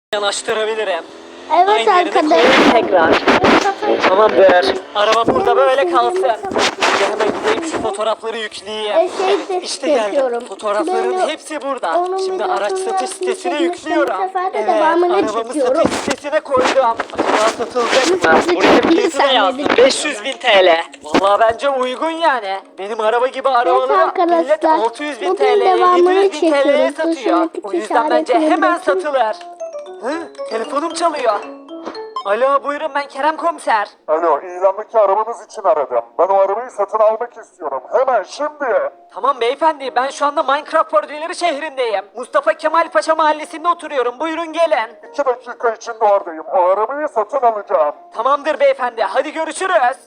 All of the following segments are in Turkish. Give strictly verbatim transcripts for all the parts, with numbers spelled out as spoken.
Yanaştırabilirim. Evet Aynı yerine arkadaşlar. koyayım tekrar. Tamamdır. Araba burada böyle kalsın. Şimdi hemen gideyim şu fotoğrafları yükleyeyim. E, şey Evet de işte geldim. yapıyorum. Fotoğrafların Böyle hepsi burada. onun Şimdi araç videosunu satış sitesine çekmiştim, yüklüyorum. bu sefer de Evet devamını arabamı çekiyorum. satış sitesine koydum. Acaba satılacak mı? Satış Buraya bir fiyatı da saniyede yazdım. çekiyorum. beş yüz bin T L. Valla bence uygun yani. Benim araba gibi Evet arabaları millet arkadaşlar. altı yüz bin Bugün T L'ye, devamını yedi yüz bin T L'ye çekiyoruz. satıyor. Dışındaki O yüzden bence işaretini hemen bakın. satılır. Hı? Telefonum çalıyor. Alo buyurun ben Kerem Komiser. Alo, ilandaki arabanız için aradım. Ben o arabayı satın almak istiyorum. Hemen şimdi. Tamam beyefendi ben şu anda Minecraft Pordileri şehrindeyim. Mustafa Kemal Paşa mahallesinde oturuyorum. Buyurun gelin. İki dakika içinde oradayım. O arabayı satın alacağım. Tamamdır beyefendi hadi görüşürüz.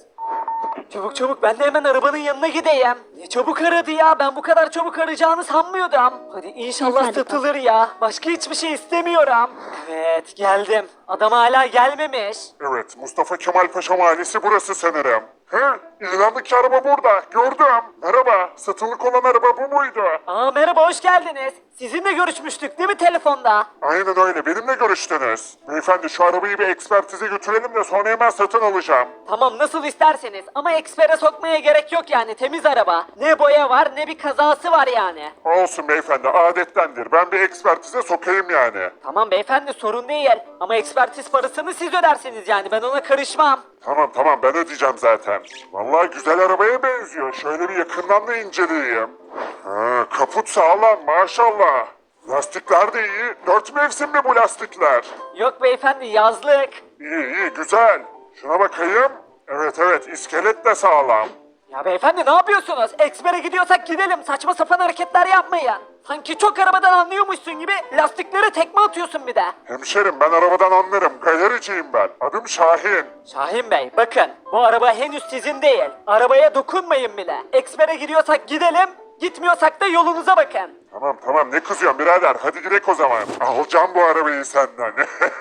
Çabuk çabuk ben de hemen arabanın yanına gideyim. Ne çabuk aradı ya ben bu kadar çabuk arayacağını sanmıyordum. Hadi inşallah Hadi satılır ya. Başka hiçbir şey istemiyorum. Evet geldim. Adam hala gelmemiş. Evet, Mustafa Kemal Paşa Mahallesi burası sanırım. He, ilandaki araba burada. Gördüm. Merhaba, satılık olan araba bu muydu? Aa merhaba hoş geldiniz. Sizinle görüşmüştük değil mi telefonda? Aynen öyle, benimle görüştünüz. Beyefendi şu arabayı bir ekspertize götürelim de sonra hemen satın alacağım. Tamam nasıl isterseniz ama ekspere sokmaya gerek yok yani temiz araba. Ne boya var ne bir kazası var yani. Olsun beyefendi, adettendir. Ben bir ekspertize sokayım yani. Tamam beyefendi sorun değil ama ekspertiz parasını siz ödersiniz yani ben ona karışmam. Tamam tamam ben ödeyeceğim zaten. Vallahi güzel arabaya benziyor. Şöyle bir yakından da inceleyeyim. Ha, kaput sağlam maşallah. Lastikler de iyi. Dört mevsim mi bu lastikler? Yok beyefendi yazlık. İyi iyi güzel. Şuna bakayım. Evet evet iskelet de sağlam. Ya beyefendi ne yapıyorsunuz? Ekspere gidiyorsak gidelim saçma sapan hareketler yapmayın. Sanki çok arabadan anlıyormuşsun gibi lastiklere tekme atıyorsun bir de. Hemşerim ben arabadan anlarım. Galericiyim ben. Adım Şahin. Şahin Bey bakın bu araba henüz sizin değil. Arabaya dokunmayın bile. Ekspere gidiyorsak gidelim, gitmiyorsak da yolunuza bakın. Tamam tamam ne kızıyorsun birader. Hadi gidelim o zaman. Alacağım bu arabayı senden.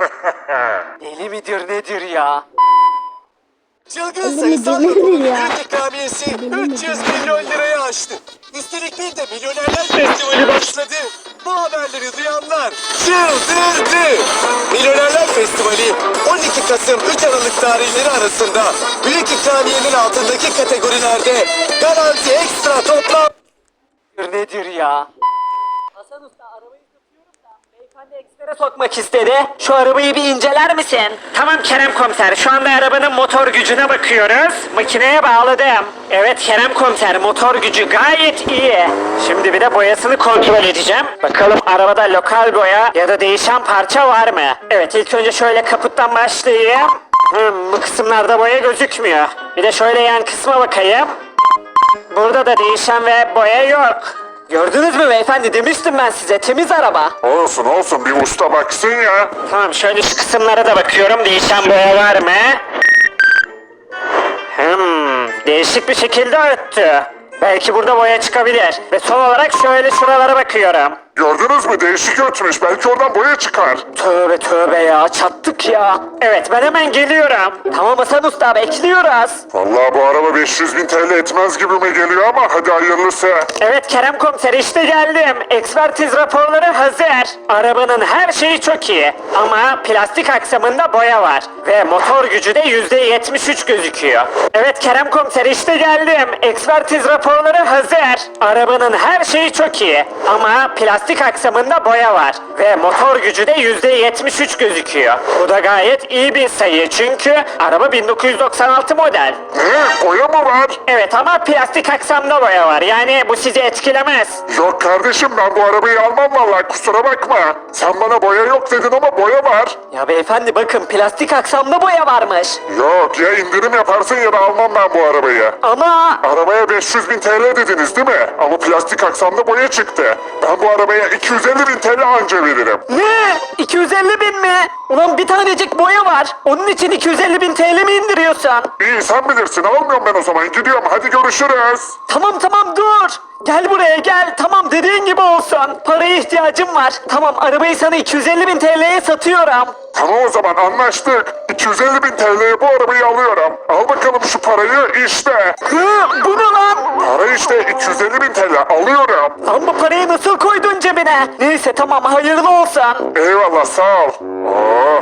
Deli midir nedir ya? Çılgın Elimi sayısal dinlenir raporun ya. büyük ikramiyesi üç yüz milyon liraya aştı. Üstelik bir de Milyonerler Festivali başladı. Bu haberleri duyanlar çıldırdı. Milyonerler Festivali on iki Kasım üç Aralık tarihleri arasında büyük ikramiyenin altındaki kategorilerde garanti ekstra toplam Nedir ya? Hasan Usta arabayı satıyorum da beyefendi ekspere sokmak istedi. Şu arabayı bir inceler misin? Tamam Kerem Komiser şu anda arabanın motor gücüne bakıyoruz. Makineye bağladım. Evet Kerem Komiser motor gücü gayet iyi. Şimdi bir de boyasını kontrol edeceğim. Bakalım arabada lokal boya ya da değişen parça var mı? Evet ilk önce şöyle kaputtan başlayayım. Hmm, bu kısımlarda boya gözükmüyor. Bir de şöyle yan kısma bakayım. Burada da değişen ve boya yok. Gördünüz mü beyefendi demiştim ben size temiz araba. Olsun olsun bir usta baksın ya. Tamam şöyle şu kısımlara da bakıyorum değişen boya var mı? Hmm, değişik bir şekilde öttü. Belki burada boya çıkabilir. Ve son olarak şöyle şuralara bakıyorum. Gördünüz mü değişik ötmüş. Belki oradan boya çıkar. Tövbe tövbe ya çattık ya. Evet ben hemen geliyorum. Tamam Hasan Usta bekliyoruz. Vallahi bu araba beş yüz bin T L etmez gibime geliyor ama hadi hayırlısı. Evet Kerem Komiser işte geldim. Ekspertiz raporları hazır. Arabanın her şeyi çok iyi. Ama plastik aksamında boya var. Ve motor gücü de yüzde yetmiş üç gözüküyor. Evet Kerem Komiser işte geldim. Ekspertiz raporları hazır. Arabanın her şeyi çok iyi. Ama plastik aksamında boya var. Ve motor gücü de yüzde yetmiş üç gözüküyor. Bu da gayet iyi bir sayı. Çünkü araba bin dokuz yüz doksan altı model. Ne? Boya mı var? Evet ama plastik aksamda boya var. Yani bu sizi etkilemez. Yok kardeşim ben bu arabayı almam vallahi kusura bakma. Sen bana boya yok dedin ama boya var. Ya beyefendi bakın plastik aksamda boya varmış. Yok ya indirim yaparsın ya da almam ben bu arabayı. Ama Arabaya beş yüz bin T L dediniz değil mi? Ama plastik aksamda boya çıktı. Ben bu arabaya iki yüz elli bin T L anca veririm. ne? iki yüz elli bin mi? Ulan bir tanecik boya var. Onun için iki yüz elli bin T L mi indiriyorsun? İyi sen bilirsin almıyorum ben o zaman gidiyorum hadi görüşürüz. Tamam tamam dur. Gel buraya gel. Tamam dediğin gibi olsun. Paraya ihtiyacım var. Tamam arabayı sana iki yüz elli bin T L'ye satıyorum. Tamam o zaman anlaştık. iki yüz elli bin T L'ye bu arabayı alıyorum. Al bakalım şu parayı işte. Hı, bu ne lan? Para işte iki yüz elli bin T L alıyorum. Lan bu parayı nasıl koydun cebine? Neyse tamam hayırlı olsun. Eyvallah sağ ol.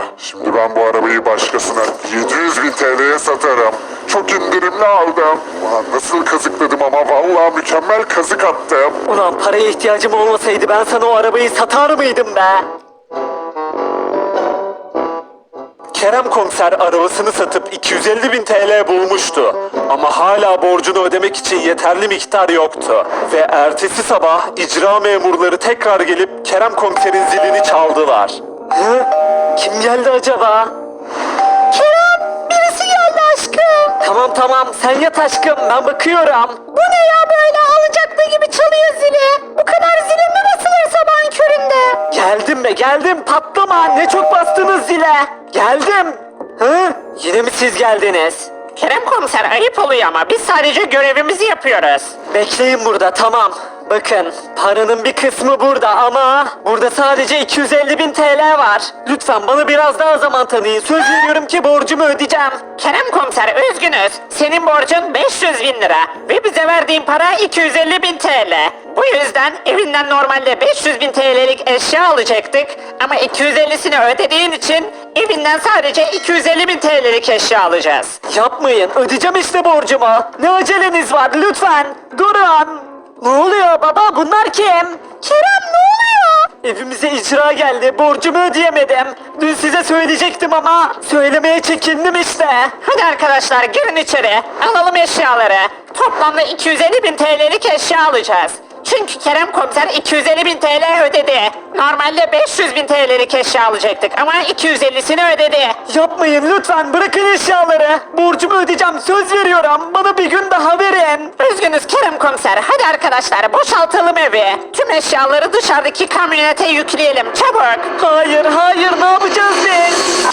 Şimdi ben bu arabayı başkasına yedi yüz bin T L'ye satarım. Çok indirimli aldım. Ulan nasıl kazıkladım ama vallahi mükemmel kazık attım. Ulan paraya ihtiyacım olmasaydı ben sana o arabayı satar mıydım be? Kerem komiser arabasını satıp iki yüz elli bin T L bulmuştu. Ama hala borcunu ödemek için yeterli miktar yoktu. Ve ertesi sabah icra memurları tekrar gelip Kerem komiserin zilini çaldılar. Hı? Kim geldi acaba? Kerem, birisi geldi aşkım. Tamam tamam, sen yat aşkım, ben bakıyorum. Bu ne ya böyle, alacaklı gibi çalıyor zili. Bu kadar zile mi basılır sabahın köründe? Geldim be geldim, patlama, ne çok bastınız zile. Geldim. Hı? Yine mi siz geldiniz? Kerem komiser, ayıp oluyor ama biz sadece görevimizi yapıyoruz. Bekleyin burada, tamam. Bakın, paranın bir kısmı burada ama burada sadece iki yüz elli bin T L var. Lütfen bana biraz daha zaman tanıyın. Söz veriyorum ki borcumu ödeyeceğim. Kerem komiser, üzgünüz. Senin borcun beş yüz bin lira ve bize verdiğin para iki yüz elli bin T L. Bu yüzden evinden normalde beş yüz bin T L'lik eşya alacaktık ama iki yüz ellisini ödediğin için evinden sadece iki yüz elli bin T L'lik eşya alacağız. Yapmayın, ödeyeceğim işte borcumu. Ne aceleniz var, lütfen durun. Ne oluyor baba, bunlar kim? Kerem, ne oluyor? Evimize icra geldi, borcumu ödeyemedim. Dün size söyleyecektim ama söylemeye çekindim işte. Hadi arkadaşlar, girin içeri, alalım eşyaları. Toplamda iki yüz elli bin T L'lik eşya alacağız. Çünkü Kerem komiser iki yüz elli bin T L ödedi. Normalde beş yüz bin T L'lik eşya alacaktık ama iki yüz ellisini ödedi. Yapmayın lütfen, bırakın eşyaları. Borcumu ödeyeceğim, söz veriyorum. Bana bir gün daha verin. Üzgünüz Kerem komiser. Hadi arkadaşlar, boşaltalım evi. Tüm eşyaları dışarıdaki kamyonete yükleyelim, çabuk. Hayır hayır, ne yapacağız biz?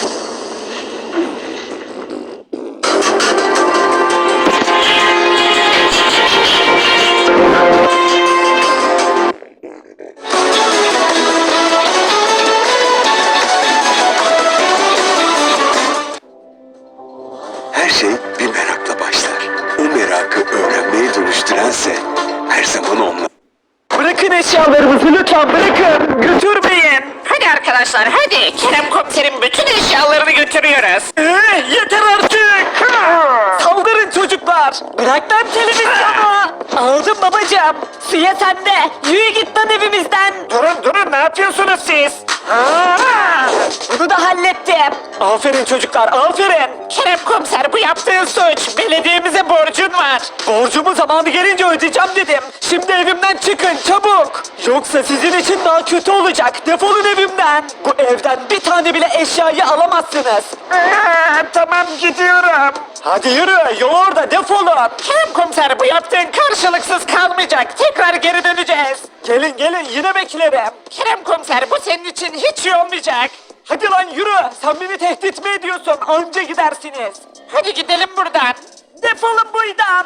Her şey bir merakla başlar. O merakı öğrenmeye dönüştürense her zaman onlar. Bırakın eşyalarımızı lütfen, bırakın. Götürmeyin. Hadi arkadaşlar, hadi. Kerem komiserin bütün eşyalarını götürüyoruz. Ee, yeter artık. Saldırın çocuklar. Bırak lan televizyonu. Aldım babacığım. Suya sende. Yürü git lan evimizden. Durun durun, ne yapıyorsunuz siz? Aa, bunu da hallettim. Aferin çocuklar, aferin. Kerem komiser, bu yaptığın suç. Belediyemize borcun var. Borcumu zamanı gelince ödeyeceğim dedim. Şimdi evimden çıkın çabuk. Yoksa sizin için daha kötü olacak. Defolun evimden. Bu evden bir tane bile eşyayı alamazsınız. Aa, tamam, gidiyorum. Hadi yürü, yol orada, defolun. Kerem komiser, bu yaptığın karşılıksız kalmayacak. Tekrar geri döneceğiz. Gelin gelin, yine beklerim. Kerem komiser, bu senin için hiç iyi olmayacak. Hadi lan yürü, sen beni tehdit mi ediyorsun? Anca gidersiniz. Hadi gidelim buradan. Defolun buradan.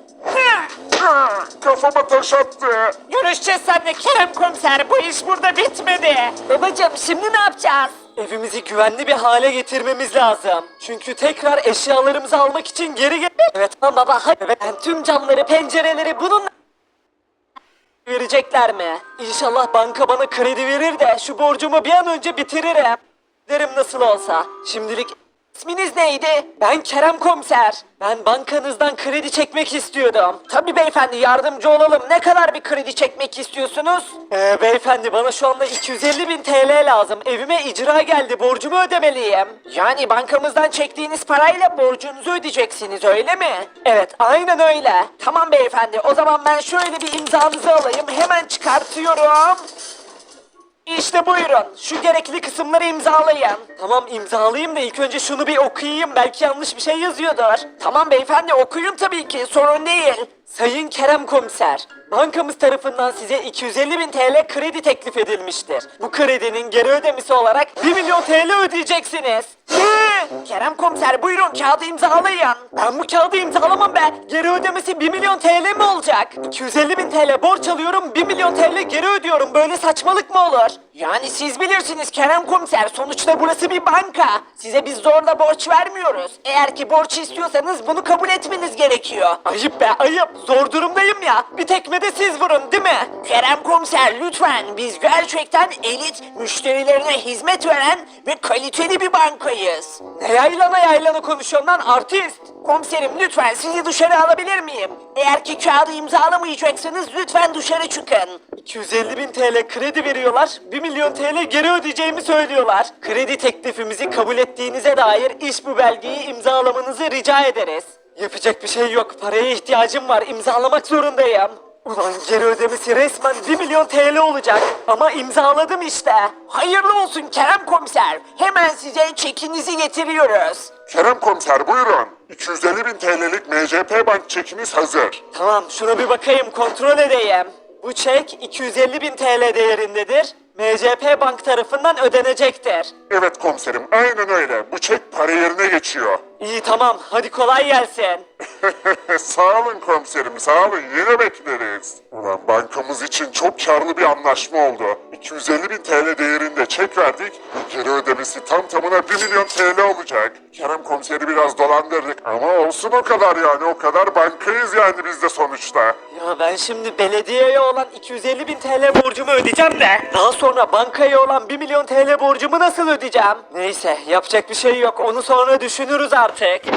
Ah, kafama taş attı. Görüşeceğiz seninle Kerem komiser, bu iş burada bitmedi. Babacım, şimdi ne yapacağız? Evimizi güvenli bir hale getirmemiz lazım. Çünkü tekrar eşyalarımızı almak için geri gel... Evet tamam baba, hadi. Evet, ben tüm camları, pencereleri bununla... Verecekler mi? İnşallah banka bana kredi verir de şu borcumu bir an önce bitiririm. Derim nasıl olsa. Şimdilik isminiz neydi? Ben Kerem komiser. Ben bankanızdan kredi çekmek istiyordum. Tabii beyefendi, yardımcı olalım. Ne kadar bir kredi çekmek istiyorsunuz? Ee, beyefendi, bana şu anda iki yüz elli bin T L lazım. Evime icra geldi. Borcumu ödemeliyim. Yani bankamızdan çektiğiniz parayla borcunuzu ödeyeceksiniz, öyle mi? Evet, aynen öyle. Tamam beyefendi, o zaman ben şöyle bir imzanızı alayım. Hemen çıkartıyorum. İşte buyurun. Şu gerekli kısımları imzalayın. Tamam, imzalayayım da ilk önce şunu bir okuyayım. Belki yanlış bir şey yazıyordur. Tamam beyefendi, okuyun tabii ki. Sorun değil. Sayın Kerem komiser, bankamız tarafından size iki yüz elli bin T L kredi teklif edilmiştir. Bu kredinin geri ödemesi olarak bir milyon T L ödeyeceksiniz. Ne? Kerem komiser, buyurun kağıdı imzalayın. Ben bu kağıdı imzalamam be. Geri ödemesi bir milyon T L mi olacak? iki yüz elli bin T L borç alıyorum, bir milyon T L geri ödüyorum. Böyle saçmalık mı olur? Yani siz bilirsiniz Kerem Komiser. Sonuçta burası bir banka. Size biz zorla borç vermiyoruz. Eğer ki borç istiyorsanız bunu kabul etmeniz gerekiyor. Ayıp be ayıp. Zor durumdayım ya. Bir tekme de siz vurun değil mi? Kerem Komiser lütfen. Biz gerçekten elit, müşterilerine hizmet veren ve kaliteli bir bankayız. Ne yaylana yaylana konuşuyorsun lan artist? Komiserim lütfen sizi dışarı alabilir miyim? Eğer ki kağıdı imzalamayacaksanız lütfen dışarı çıkın. iki yüz elli bin T L kredi veriyorlar, bir milyon T L geri ödeyeceğimi söylüyorlar. Kredi teklifimizi kabul ettiğinize dair iş bu belgeyi imzalamanızı rica ederiz. Yapacak bir şey yok, paraya ihtiyacım var, imzalamak zorundayım. Ulan geri ödemesi resmen bir milyon T L olacak. Ama imzaladım işte. Hayırlı olsun Kerem Komiser. Hemen size çekinizi getiriyoruz. Kerem Komiser buyurun. iki yüz elli bin T L'lik M C P Bank çekiniz hazır. Tamam şuna bir bakayım kontrol edeyim. Bu çek iki yüz elli bin T L değerindedir. M C P Bank tarafından ödenecektir. Evet komiserim aynen öyle. Bu çek para yerine geçiyor. İyi tamam hadi kolay gelsin. Sağ olun komiserim sağ olun yine bekleriz. Ulan bankamız için çok karlı bir anlaşma oldu. iki yüz elli bin T L değerinde çek verdik. Geri ödemesi tam tamına bir milyon T L olacak. Kerem komiseri biraz dolandırdık ama olsun o kadar yani o kadar bankayız yani biz de sonuçta. Ya ben şimdi belediyeye olan iki yüz elli bin T L borcumu ödeyeceğim de daha sonra bankaya olan bir milyon T L borcumu nasıl ödeyeceğim? Neyse yapacak bir şey yok onu sonra düşünürüz artık.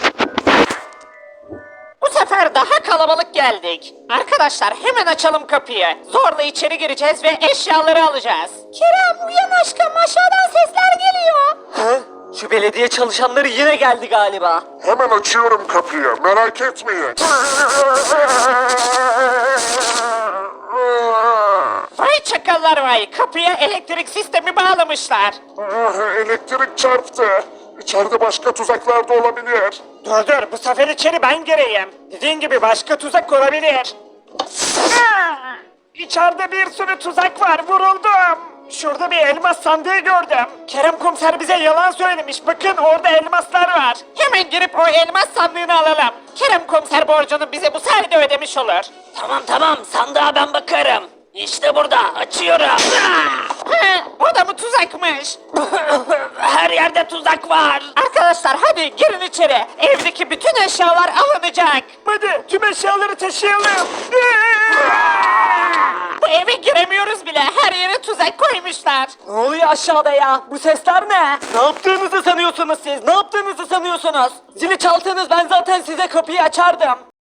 Bu sefer daha kalabalık geldik. Arkadaşlar hemen açalım kapıyı. Zorla içeri gireceğiz ve eşyaları alacağız. Kerem uyan aşkım aşağıdan sesler geliyor. Hı? Şu belediye çalışanları yine geldi galiba. Hemen açıyorum kapıyı merak etmeyin. Vay çakallar vay kapıya elektrik sistemi bağlamışlar. Ah, elektrik çarptı. İçeride başka tuzaklar da olabilir. Dur dur bu sefer içeri ben gireyim. Dediğin gibi başka tuzak olabilir. Aa! İçeride bir sürü tuzak var vuruldum. Şurada bir elmas sandığı gördüm. Kerem komiser bize yalan söylemiş. Bakın orada elmaslar var. Hemen girip o elmas sandığını alalım. Kerem komiser borcunu bize bu sayede ödemiş olur. Tamam tamam sandığa ben bakarım. İşte burada açıyorum. He, o da mı tuzakmış? Her yerde tuzak var. Arkadaşlar hadi girin içeri. Evdeki bütün eşyalar alınacak. Hadi tüm eşyaları taşıyalım. Bu eve giremiyoruz bile. Her yere tuzak koymuşlar. Ne oluyor aşağıda ya? Bu sesler ne? Ne yaptığınızı sanıyorsunuz siz? Ne yaptığınızı sanıyorsunuz? Zili çaldınız ben zaten size kapıyı açardım.